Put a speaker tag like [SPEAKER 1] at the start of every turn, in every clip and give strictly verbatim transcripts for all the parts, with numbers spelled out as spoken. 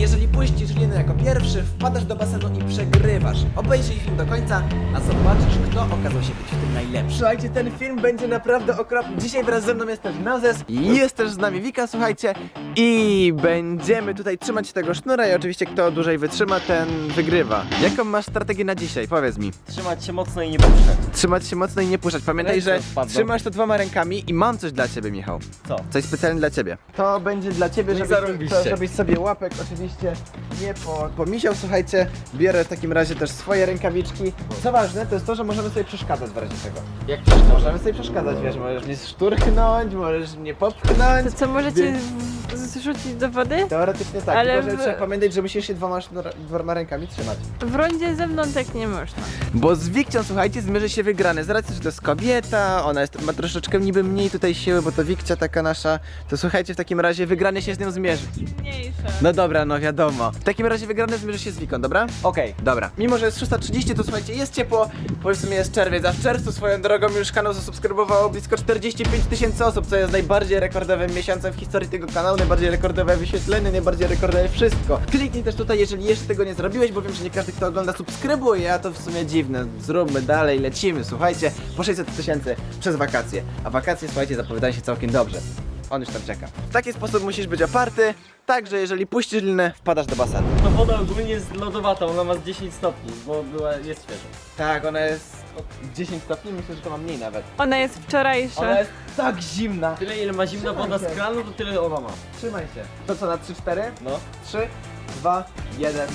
[SPEAKER 1] Jeżeli puścisz linę jako pierwszy, wpadasz do basenu i przegrywasz. Obejrzyj film do końca, a zobaczysz, kto okazał się być w tym najlepszy. Słuchajcie, ten film będzie naprawdę okropny. Dzisiaj wraz ze mną jest też Nazes i jest też z nami Wika, słuchajcie. I będziemy tutaj trzymać tego sznura i oczywiście kto dłużej wytrzyma, ten wygrywa. Jaką masz strategię na dzisiaj? Powiedz mi.
[SPEAKER 2] Trzymać się mocno i nie puszczać.
[SPEAKER 1] Trzymać się mocno i nie puszczać. Pamiętaj,
[SPEAKER 2] Ręce
[SPEAKER 1] że
[SPEAKER 2] odpadną.
[SPEAKER 1] trzymasz to dwoma rękami i mam coś dla ciebie, Michał.
[SPEAKER 2] Co?
[SPEAKER 1] Coś specjalnie dla ciebie. To będzie dla ciebie,
[SPEAKER 2] No i
[SPEAKER 1] żebyś,
[SPEAKER 2] zarąbiście.
[SPEAKER 1] to, żebyś sobie łapek oczywiście nie po, pomisiał. Słuchajcie, biorę w takim razie też swoje rękawiczki. Co ważne, to jest to, że możemy sobie przeszkadzać w razie czego.
[SPEAKER 2] Jak przeszkadza?
[SPEAKER 1] Możemy sobie przeszkadzać, wiesz, możesz mnie szturchnąć, możesz mnie popchnąć.
[SPEAKER 3] To co, możecie
[SPEAKER 1] Więc
[SPEAKER 3] w- zrzucić do wody?
[SPEAKER 1] teoretycznie tak,
[SPEAKER 3] Ale
[SPEAKER 1] tylko że
[SPEAKER 3] w-
[SPEAKER 1] trzeba pamiętać, że musisz się dwoma, sznura- dwoma rękami trzymać.
[SPEAKER 3] W rondzie ze mną tak nie można.
[SPEAKER 1] Bo z Wikcią, słuchajcie, zmierzy się wygrany. Z racji, że to jest kobieta, ona jest, ma troszeczkę niby mniej tutaj siły, bo to Wikcia taka nasza. To słuchajcie, w takim razie wygrany się z nią zmierzy.
[SPEAKER 3] Mniejsza.
[SPEAKER 1] No dobra, no wiadomo. W takim razie wygrany zmierzy się z Wiką, dobra?
[SPEAKER 2] Okej.
[SPEAKER 1] Dobra. Mimo, że jest szósta trzydzieści, to słuchajcie, jest ciepło, bo w sumie jest czerwiec, a w czerwcu swoją drogą już kanał zasubskrybowało blisko czterdzieści pięć tysięcy osób, co jest najbardziej rekordowym miesiącem w historii tego kanału, najbardziej rekordowe wyświetlenie, najbardziej rekordowe wszystko. Kliknij też tutaj, jeżeli jeszcze tego nie zrobiłeś, bo wiem, że nie każdy, kto ogląda, subskrybuje, a to w sumie dziwne. Zróbmy dalej, lecimy, słuchajcie, po sześćset tysięcy przez wakacje. A wakacje, słuchajcie, zapowiadają się całkiem dobrze. On już tam czeka. W taki sposób musisz być oparty, tak, że jeżeli puścisz linę, wpadasz do basenu.
[SPEAKER 2] To woda ogólnie jest lodowata, ona ma z dziesięć stopni, bo była, jest świeża.
[SPEAKER 1] Tak, ona jest dziesięć stopni, myślę, że to ma mniej nawet.
[SPEAKER 3] Ona jest wczorajsza.
[SPEAKER 1] Ona jest tak zimna.
[SPEAKER 2] Tyle ile ma zimna
[SPEAKER 1] Trzymaj
[SPEAKER 2] woda
[SPEAKER 1] się.
[SPEAKER 2] z kranu, to tyle ona ma.
[SPEAKER 1] Trzymaj się. To co, na trzy cztery?
[SPEAKER 2] No.
[SPEAKER 1] trzy, dwa, jeden.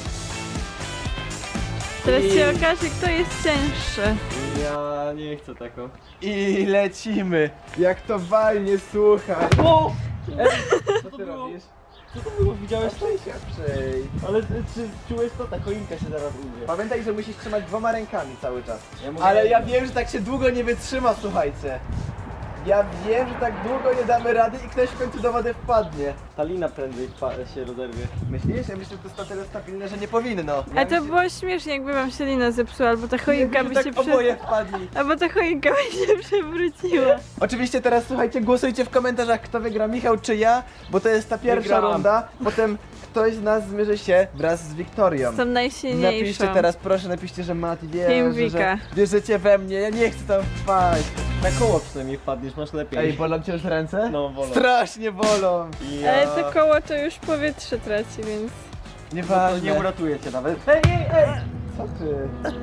[SPEAKER 3] Teraz
[SPEAKER 1] I-
[SPEAKER 3] się okaże, kto jest cięższy.
[SPEAKER 2] Ja nie chcę taką.
[SPEAKER 1] I lecimy. Jak to walnie, słuchaj.
[SPEAKER 2] O!
[SPEAKER 1] Co
[SPEAKER 2] to
[SPEAKER 1] ty
[SPEAKER 2] było?
[SPEAKER 1] robisz?
[SPEAKER 2] Co to było? Widziałeś to?
[SPEAKER 1] Przej się, przej.
[SPEAKER 2] Ale ty- czy czułeś to? Ta choinka się zaraz umrze.
[SPEAKER 1] Pamiętaj, że musisz trzymać dwoma rękami cały czas.
[SPEAKER 2] Ja mogę-
[SPEAKER 1] Ale ja wiem, że tak się długo nie wytrzyma, słuchajcie. Ja wiem, że tak długo nie damy rady i ktoś w końcu do wody wpadnie.
[SPEAKER 2] Ta lina prędzej wpa- się rozerwie.
[SPEAKER 1] Myślisz? Ja myślę, że to jest na tyle stabilne, że nie powinno.
[SPEAKER 3] A
[SPEAKER 1] Ja
[SPEAKER 3] to
[SPEAKER 1] myślę-
[SPEAKER 3] było śmiesznie, jakby wam się lina zepsuła, albo ta choinka
[SPEAKER 1] Jakby
[SPEAKER 3] by
[SPEAKER 1] tak
[SPEAKER 3] się prze...
[SPEAKER 1] oboje wpadli.
[SPEAKER 3] Albo ta choinka by się przewróciła.
[SPEAKER 1] Oczywiście teraz słuchajcie, głosujcie w komentarzach, kto wygra, Michał czy ja, bo to jest ta pierwsza
[SPEAKER 2] Wygrałam.
[SPEAKER 1] runda. Potem ktoś z nas zmierzy się wraz z Wiktorią.
[SPEAKER 3] Są najsilniejszą.
[SPEAKER 1] Napiszcie teraz, proszę, napiszcie, że Mati wie,
[SPEAKER 3] Team
[SPEAKER 1] że,
[SPEAKER 3] Wika.
[SPEAKER 1] że wierzycie we mnie, ja nie chcę tam wpaść.
[SPEAKER 2] Na koło przynajmniej wpadniesz, masz lepiej.
[SPEAKER 1] Ej, bolą cię już ręce?
[SPEAKER 2] No, bolą.
[SPEAKER 1] Strasznie bolą.
[SPEAKER 2] Ja...
[SPEAKER 3] Ale to koło to już powietrze traci, więc...
[SPEAKER 2] To
[SPEAKER 1] Nieważne.
[SPEAKER 2] nie uratuje cię nawet.
[SPEAKER 1] Ej, ej, ej! Co ty?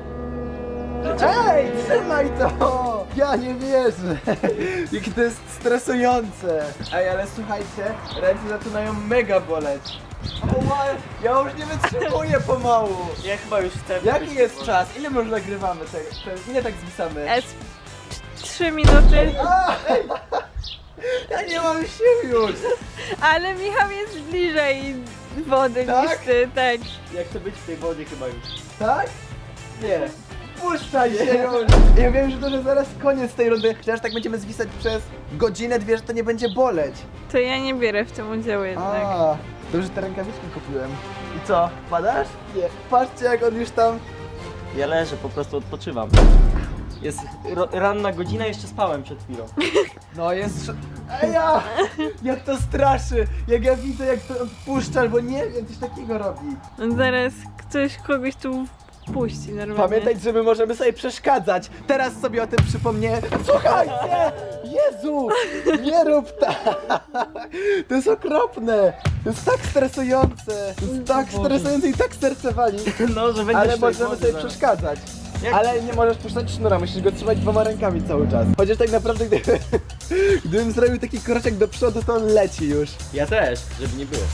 [SPEAKER 1] Ej, trzymaj to! Ja nie wierzę! Jakie to jest stresujące! Ej, ale słuchajcie, ręce zaczynają mega boleć. O, ja już nie wytrzymuję pomału!
[SPEAKER 2] Ja chyba już chcę...
[SPEAKER 1] Jaki jest czas? Ile my już nagrywamy tego? To ile tak zwisamy?
[SPEAKER 3] S... Trzy minuty.
[SPEAKER 1] A, ej! Ja nie mam sił już!
[SPEAKER 3] Ale Michał jest bliżej wody
[SPEAKER 1] Tak?
[SPEAKER 3] niż ty, tak.
[SPEAKER 2] Ja chcę być w tej wodzie chyba już.
[SPEAKER 1] Tak? Nie. Puszczaj się już! Ja wiem, że to że zaraz koniec tej rundy. Przecież tak będziemy zwisać przez godzinę, dwie, że to nie będzie boleć.
[SPEAKER 3] To ja nie bierę w tym udziału jednak.
[SPEAKER 1] A, dobrze, te rękawiczki kupiłem. I co, padasz? Nie. Patrzcie, jak on już tam...
[SPEAKER 2] Ja leżę, po prostu odpoczywam. Jest ro- ranna godzina, jeszcze spałem przed chwilą.
[SPEAKER 1] No jest... sz- Ej, ja! Jak to straszy! Jak ja widzę, jak to puszczasz, bo nie wiem, coś takiego robi.
[SPEAKER 3] Zaraz ktoś kogoś tu wpuści normalnie.
[SPEAKER 1] Pamiętaj, że my możemy sobie przeszkadzać. Teraz sobie o tym przypomnę. Słuchajcie! Jezu! Nie rób tak! To jest okropne! To jest tak stresujące! To jest tak stresujące i tak serce wali.
[SPEAKER 2] No, że będziesz
[SPEAKER 1] Ale
[SPEAKER 2] w tej
[SPEAKER 1] możemy
[SPEAKER 2] wodzie
[SPEAKER 1] sobie
[SPEAKER 2] zaraz.
[SPEAKER 1] przeszkadzać.
[SPEAKER 2] Jak-
[SPEAKER 1] Ale nie możesz puszczać sznura, musisz go trzymać dwoma rękami cały czas. Chociaż tak naprawdę, gdyby, gdybym zrobił taki kroczek do przodu, to on leci już.
[SPEAKER 2] Ja też, żeby nie było.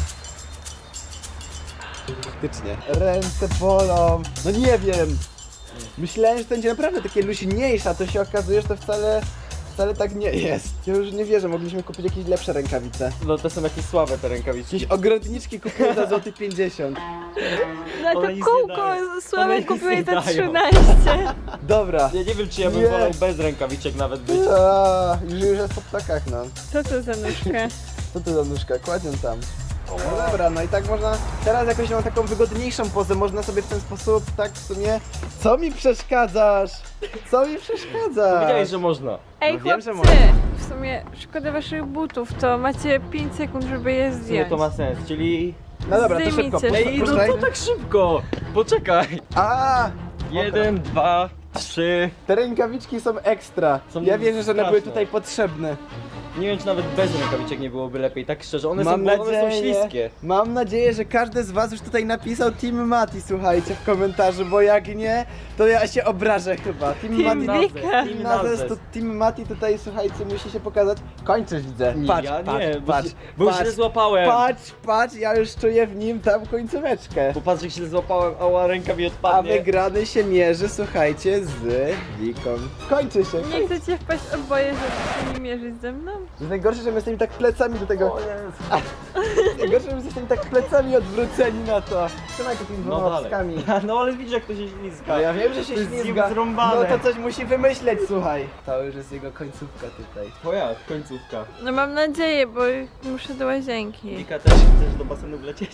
[SPEAKER 1] Faktycznie. Ręce bolą. No nie wiem. Myślałem, że to będzie naprawdę takie luźniejsze, a to się okazuje, że to wcale, wcale tak nie jest. Ja już nie wierzę, mogliśmy kupić jakieś lepsze rękawice.
[SPEAKER 2] No to są jakieś słabe te rękawiczki.
[SPEAKER 1] Jakieś ogrodniczki kupiłem za złoty pięćdziesiąt.
[SPEAKER 3] No
[SPEAKER 2] One
[SPEAKER 3] to
[SPEAKER 2] nic nie
[SPEAKER 3] kółko
[SPEAKER 2] dają. One
[SPEAKER 3] słabe
[SPEAKER 2] nic
[SPEAKER 3] kupiłeś
[SPEAKER 2] nie
[SPEAKER 3] za
[SPEAKER 2] dają.
[SPEAKER 3] trzynaście.
[SPEAKER 1] Dobra.
[SPEAKER 2] Ja nie wiem, czy ja bym
[SPEAKER 1] Nie.
[SPEAKER 2] wolał bez rękawiczek nawet być.
[SPEAKER 1] A, już, już jest po ptakach, no.
[SPEAKER 3] Co to za nóżka?
[SPEAKER 1] Co ty za nóżka? Kładzię tam. No dobra, no i tak można, teraz jakoś mam taką wygodniejszą pozę, można sobie w ten sposób, tak w sumie... Co mi przeszkadzasz? Co mi przeszkadzasz?
[SPEAKER 2] Powiedziałeś, że można.
[SPEAKER 3] Ej
[SPEAKER 1] No wiem, że
[SPEAKER 3] chłopcy,
[SPEAKER 1] można.
[SPEAKER 3] w sumie szkoda waszych butów, to macie pięć sekund, żeby je
[SPEAKER 2] W sumie
[SPEAKER 3] zdjąć.
[SPEAKER 2] to ma sens, czyli
[SPEAKER 1] No dobra, to
[SPEAKER 3] Zdejmijcie
[SPEAKER 1] szybko.
[SPEAKER 3] to.
[SPEAKER 2] Ej, no
[SPEAKER 1] puszczaj.
[SPEAKER 2] co tak szybko? Poczekaj.
[SPEAKER 1] A,
[SPEAKER 2] Jeden, dwa, trzy.
[SPEAKER 1] te rękawiczki są ekstra.
[SPEAKER 2] Są
[SPEAKER 1] Ja wierzę, że one były
[SPEAKER 2] straszne.
[SPEAKER 1] tutaj potrzebne.
[SPEAKER 2] Nie wiem, czy nawet bez rękawiczek nie byłoby lepiej, tak szczerze. One,
[SPEAKER 1] Mam
[SPEAKER 2] są, one są
[SPEAKER 1] nadzieję,
[SPEAKER 2] śliskie.
[SPEAKER 1] mam nadzieję, że każdy z was już tutaj napisał Team Mati, słuchajcie, w komentarzu, bo jak nie, to ja się obrażę chyba. Team,
[SPEAKER 3] Team
[SPEAKER 1] Mati,
[SPEAKER 3] Wika.
[SPEAKER 1] Team Nazes, to Team Mati tutaj, słuchajcie, musi się pokazać. Kończysz, widzę.
[SPEAKER 2] Nie,
[SPEAKER 1] Patrz,
[SPEAKER 2] ja
[SPEAKER 1] patrz,
[SPEAKER 2] nie, bo
[SPEAKER 1] patrz,
[SPEAKER 2] się- bo
[SPEAKER 1] patrz,
[SPEAKER 2] źle złapałem.
[SPEAKER 1] patrz, patrz, ja już czuję w nim tam końcóweczkę.
[SPEAKER 2] Popatrz, jak się złapałem, ała, ręka mi
[SPEAKER 1] A
[SPEAKER 2] odpadnie.
[SPEAKER 1] wygrany się mierzy, słuchajcie, z Wiką. Kończy się.
[SPEAKER 3] Nie
[SPEAKER 1] Kończy.
[SPEAKER 3] chcecie wpaść oboje, żeby się nie mierzyć ze mną?
[SPEAKER 1] To jest najgorsze, że my jesteśmy tak plecami do tego.
[SPEAKER 2] O Jezu.
[SPEAKER 1] Najgorsze, że my jesteśmy tak plecami odwróceni na to. Trzymaj to tymi
[SPEAKER 2] No
[SPEAKER 1] dwoma
[SPEAKER 2] dalej.
[SPEAKER 1] łaskami.
[SPEAKER 2] No ale widzisz, jak to się ślizga.
[SPEAKER 1] No ja wiem, że się
[SPEAKER 2] To jest
[SPEAKER 1] ślizga.
[SPEAKER 2] zrąbane.
[SPEAKER 1] No to coś musi wymyśleć, słuchaj. To już jest jego końcówka tutaj.
[SPEAKER 2] Twoja końcówka.
[SPEAKER 3] No mam nadzieję, bo muszę do łazienki.
[SPEAKER 2] Wika, też chcesz do basenu wlecieć?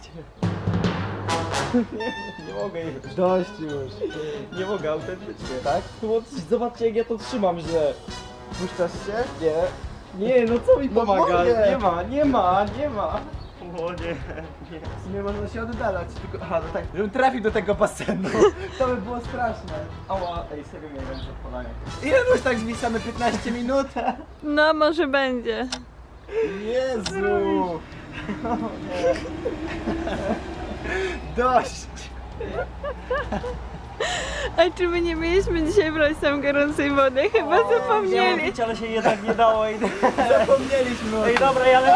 [SPEAKER 2] Nie, nie mogę już.
[SPEAKER 1] Dość już.
[SPEAKER 2] Nie mogę, autentycznie.
[SPEAKER 1] Tak?
[SPEAKER 2] No bo zobaczcie, jak ja to trzymam źle.
[SPEAKER 1] Puszczasz się?
[SPEAKER 2] Nie. Nie, no co mi
[SPEAKER 1] No
[SPEAKER 2] pomaga?
[SPEAKER 1] mogę.
[SPEAKER 2] Nie ma, nie ma, nie ma. O nie, nie.
[SPEAKER 1] Nie można się oddalać, tylko... Aha, no tak. Żebym trafił do tego basenu. To by było straszne.
[SPEAKER 2] Ała, ej, serio miałem ręce odpalania.
[SPEAKER 1] Ile już tak zwisamy? piętnaście minut?
[SPEAKER 3] No może będzie.
[SPEAKER 1] Jezu! Dość!
[SPEAKER 3] A czy my nie mieliśmy dzisiaj brać tam gorącej wody? Chyba
[SPEAKER 2] Miałem
[SPEAKER 3] zapomnieli.
[SPEAKER 2] pić, ale się jednak nie dało. Ej,
[SPEAKER 1] Zapomnieliśmy o
[SPEAKER 2] ej
[SPEAKER 1] tym.
[SPEAKER 2] dobra, ja lecę.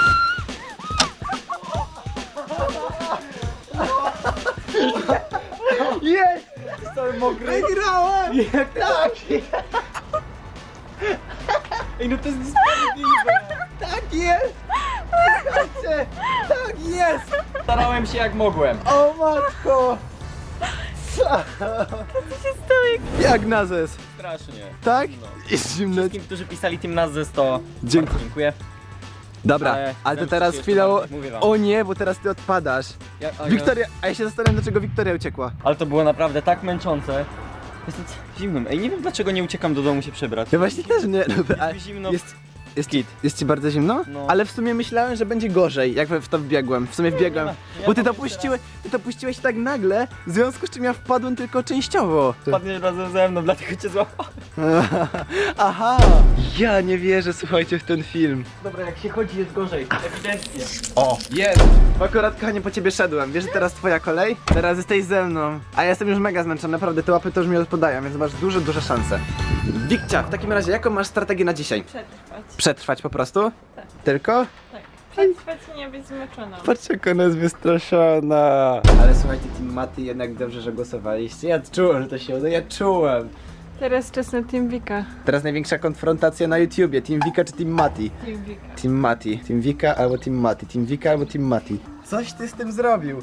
[SPEAKER 1] Jest! Jestem mokry. Wygrałem! Jak tak!
[SPEAKER 2] Ej, no to jest niesprawiedliwe.
[SPEAKER 1] Tak jest! Słuchajcie, tak jest!
[SPEAKER 2] Starałem się jak mogłem.
[SPEAKER 1] O matko! Co?
[SPEAKER 3] Co się stało jak...
[SPEAKER 1] Jak nazes?
[SPEAKER 2] Strasznie.
[SPEAKER 1] Tak?
[SPEAKER 2] No.
[SPEAKER 1] Jest zimno.
[SPEAKER 2] Wszystkim, którzy pisali Team Nazes, to
[SPEAKER 1] Dziękuję.
[SPEAKER 2] dziękuję.
[SPEAKER 1] Dobra,
[SPEAKER 2] Ale
[SPEAKER 1] ale to
[SPEAKER 2] zemszczę
[SPEAKER 1] teraz
[SPEAKER 2] się
[SPEAKER 1] chwilę.
[SPEAKER 2] jeszcze bardziej, mówię wam.
[SPEAKER 1] O nie, bo teraz ty odpadasz.
[SPEAKER 2] Ja, a ja-
[SPEAKER 1] Wiktoria, a ja się zastanawiam, dlaczego Wiktoria uciekła.
[SPEAKER 2] Ale to było naprawdę tak męczące. Jestem c- zimnym. Ej, nie wiem dlaczego nie uciekam do domu się przebrać.
[SPEAKER 1] Ja właśnie też nie. ale
[SPEAKER 2] mi zimno.
[SPEAKER 1] Jest, jest,
[SPEAKER 2] Kit.
[SPEAKER 1] jest ci bardzo zimno?
[SPEAKER 2] No.
[SPEAKER 1] Ale w sumie myślałem, że będzie gorzej, jak w to wbiegłem. W sumie wbiegłem.
[SPEAKER 2] nie, nie,
[SPEAKER 1] Bo ty to
[SPEAKER 2] powiem
[SPEAKER 1] puściłeś, ty to puściłeś tak nagle, w związku z czym ja wpadłem tylko częściowo.
[SPEAKER 2] Padniesz razem ze mną, dlatego cię złapałem.
[SPEAKER 1] Aha! Ja nie wierzę, słuchajcie, w ten film.
[SPEAKER 2] Dobra, jak się chodzi jest gorzej, ewidentnie.
[SPEAKER 1] O, jest! Akurat, kochanie, po ciebie szedłem. Wiesz, że teraz twoja kolej? Teraz jesteś ze mną. A ja jestem już mega zmęczony, naprawdę, te łapy to już mi odpadają, więc masz duże, duże szanse. Wikcia, w takim razie, jaką masz strategię na dzisiaj?
[SPEAKER 3] Przetrwać.
[SPEAKER 1] Przetrwać po prostu?
[SPEAKER 3] Tak.
[SPEAKER 1] Tylko?
[SPEAKER 3] Tak. Przetrwać i nie być zmęczoną.
[SPEAKER 1] Patrz, jak ona jest wystraszona. Ale słuchajcie, Team Mati, jednak dobrze, że głosowaliście. Ja czułem, że to się uda, ja czułem.
[SPEAKER 3] Teraz czas na Team Wika.
[SPEAKER 1] Teraz największa konfrontacja na YouTubie. Team Wika czy Team Mati?
[SPEAKER 3] Team Wika.
[SPEAKER 1] Team Mati. Team Wika albo Team Mati. Team Wika albo Team Mati. Coś ty z tym zrobił.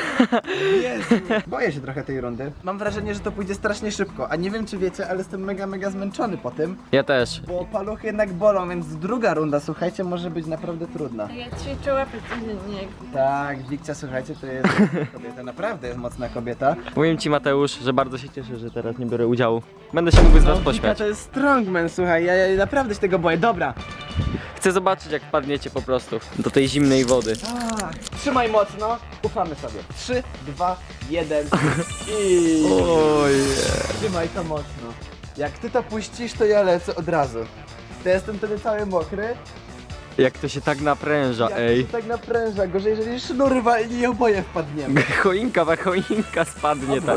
[SPEAKER 1] Jezu. Boję się trochę tej rundy. Mam wrażenie, że to pójdzie strasznie szybko. A nie wiem, czy wiecie, ale jestem mega, mega zmęczony po tym.
[SPEAKER 2] Ja też.
[SPEAKER 1] Bo paluchy jednak bolą, więc druga runda, słuchajcie, może być naprawdę trudna.
[SPEAKER 3] Ja ćwiczę łapy codziennie. jak widać.
[SPEAKER 1] Tak, Wikcia, słuchajcie, to jest kobieta, naprawdę jest mocna kobieta.
[SPEAKER 2] Powiem ci, Mateusz, że bardzo się cieszę, że teraz nie biorę udziału. Będę się mógł z was
[SPEAKER 1] Wika
[SPEAKER 2] pośmiać.
[SPEAKER 1] to jest strongman, słuchaj, ja, ja naprawdę się tego boję. Dobra.
[SPEAKER 2] Chcę zobaczyć, jak padniecie po prostu do tej zimnej wody.
[SPEAKER 1] Tak. Trzymaj mocno, ufamy sobie. trzy, dwa, jeden i...
[SPEAKER 2] Oj.
[SPEAKER 1] Trzymaj to mocno. Jak ty to puścisz, to ja lecę od razu. To jestem wtedy cały mokry.
[SPEAKER 2] Jak to się tak napręża,
[SPEAKER 1] Jak
[SPEAKER 2] ej.
[SPEAKER 1] to się tak napręża, gorzej jeżeli sznur walnie i oboje wpadniemy.
[SPEAKER 2] Choinka, wa choinka spadnie tak.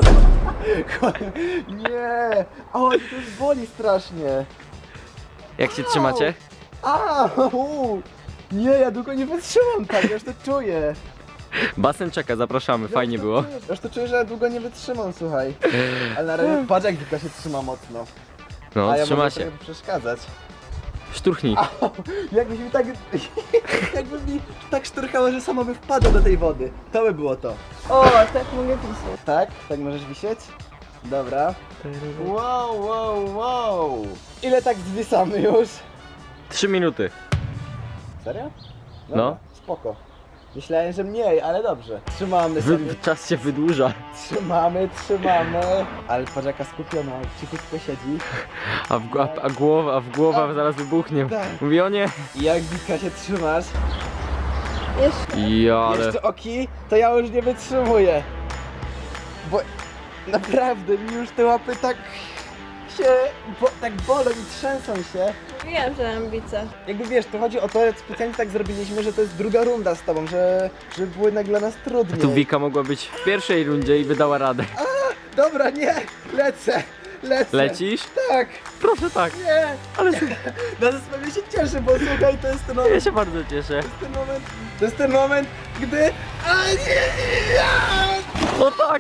[SPEAKER 1] Nie! O, to już boli strasznie.
[SPEAKER 2] Jak się trzymacie?
[SPEAKER 1] A, u. Nie, ja długo nie wytrzymam tak, ja już to czuję.
[SPEAKER 2] Basen czeka, zapraszamy,
[SPEAKER 1] Ja
[SPEAKER 2] fajnie
[SPEAKER 1] już to
[SPEAKER 2] było.
[SPEAKER 1] czuję, ja już to czuję, że ja długo nie wytrzymam, słuchaj. Ale na razie patrz, jak Wika się trzyma mocno.
[SPEAKER 2] No,
[SPEAKER 1] A ja
[SPEAKER 2] trzyma
[SPEAKER 1] mogę
[SPEAKER 2] się.
[SPEAKER 1] trochę przeszkadzać.
[SPEAKER 2] Szturchnij.
[SPEAKER 1] Jakbyś mi tak... Jakby mi tak szturchało, że samo by wpadło do tej wody. To by było to.
[SPEAKER 3] O, tak mogę pisać.
[SPEAKER 1] Tak? Tak możesz wisieć? Dobra. Wow, wow, wow. Ile tak zwisamy już?
[SPEAKER 2] Trzy minuty.
[SPEAKER 1] Serio?
[SPEAKER 2] No.
[SPEAKER 1] Spoko. Myślałem, że mniej, ale dobrze. Trzymamy sobie.
[SPEAKER 2] Wy, czas się wydłuża.
[SPEAKER 1] Trzymamy, trzymamy. Ale patrz jaka skupiona, cichutko siedzi.
[SPEAKER 2] A, w, a, a głowa, a w głowa zaraz wybuchnie.
[SPEAKER 1] Tak.
[SPEAKER 2] Mówi o nie.
[SPEAKER 1] I jak Wika się trzymasz?
[SPEAKER 3] Jeszcze.
[SPEAKER 2] Ja, ale...
[SPEAKER 1] Jeszcze oki, to ja już nie wytrzymuję. Bo naprawdę mi już te łapy tak się, bo, tak bolą i trzęsą się.
[SPEAKER 3] Wiem, że ambice.
[SPEAKER 1] Jakby wiesz, to chodzi o to, specjalnie tak zrobiliśmy, że to jest druga runda z tobą, że, że było jednak dla nas trudniej.
[SPEAKER 2] Tu Wika mogła być w pierwszej rundzie i by dała radę.
[SPEAKER 1] Dobra, nie, lecę, lecę.
[SPEAKER 2] Lecisz?
[SPEAKER 1] Tak,
[SPEAKER 2] Proszę tak.
[SPEAKER 1] nie.
[SPEAKER 2] Ale
[SPEAKER 1] Na pewno się cieszę, bo słuchaj, to jest ten
[SPEAKER 2] ja
[SPEAKER 1] moment,
[SPEAKER 2] się bardzo cieszę.
[SPEAKER 1] ten moment, to jest ten moment, gdy... A nie, ja!
[SPEAKER 2] O tak!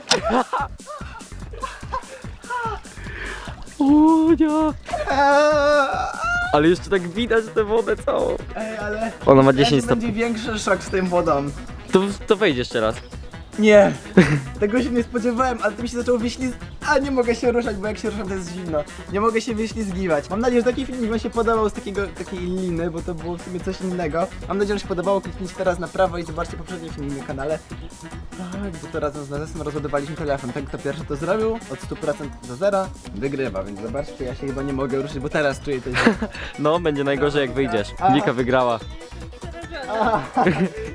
[SPEAKER 2] O nie!
[SPEAKER 1] A!
[SPEAKER 2] Ale jeszcze tak widać tę wodę całą.
[SPEAKER 1] Ej, ale...
[SPEAKER 2] Ona ma
[SPEAKER 1] Będzie
[SPEAKER 2] dziesięć stopni.
[SPEAKER 1] większy szok z tym wodą.
[SPEAKER 2] To, to wejdź jeszcze raz.
[SPEAKER 1] Nie, tego się nie spodziewałem, ale to mi się zaczęło wyślizgiwać. A nie mogę się ruszać, bo jak się ruszam to jest zimno. Nie mogę się wyślizgiwać. Mam nadzieję, że taki filmik wam się podobał z takiego, takiej liny, bo to było w sumie coś innego. Mam nadzieję, że się podobało. Kliknijcie teraz na prawo i zobaczcie poprzedni filmik na kanale. Tak, gdzie to razem z Nazesem rozładowaliśmy telefon. Ten, kto pierwszy to zrobił, od stu procent do zera, wygrywa, więc zobaczcie, ja się chyba nie mogę ruszyć, bo teraz czuję to.
[SPEAKER 2] No, będzie najgorzej jak wyjdziesz.
[SPEAKER 1] A.
[SPEAKER 2] Wika wygrała.
[SPEAKER 1] A,